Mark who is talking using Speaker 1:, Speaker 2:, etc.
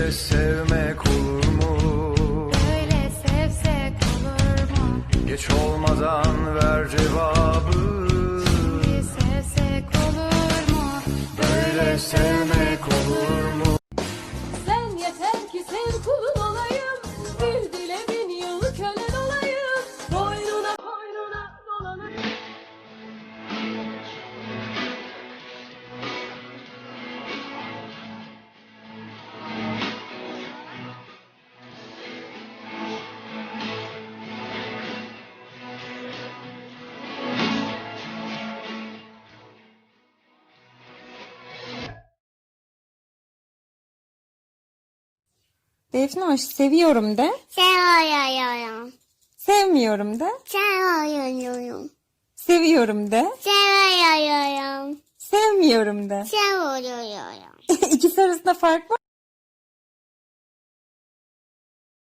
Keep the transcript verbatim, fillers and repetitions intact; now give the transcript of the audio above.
Speaker 1: Böyle sevmek olur mu?
Speaker 2: Böyle sevsek olur mu?
Speaker 1: Geç olmadan ver cevabı.
Speaker 2: Şimdi sevsek olur mu?
Speaker 1: Böyle sevmek olur mu?
Speaker 2: Sen yeter ki sev kulun olayım. Bir dile bin yıl kölen olayım. Boynuna boynuna dolanayım.
Speaker 3: Defnoş, seviyorum de.
Speaker 4: Seviyorum.
Speaker 3: Sevmiyorum de.
Speaker 4: Seviyorum.
Speaker 3: Seviyorum de.
Speaker 4: Seviyorum.
Speaker 3: Sevmiyorum de.
Speaker 4: Seviyorum.
Speaker 3: İkisi arasında fark var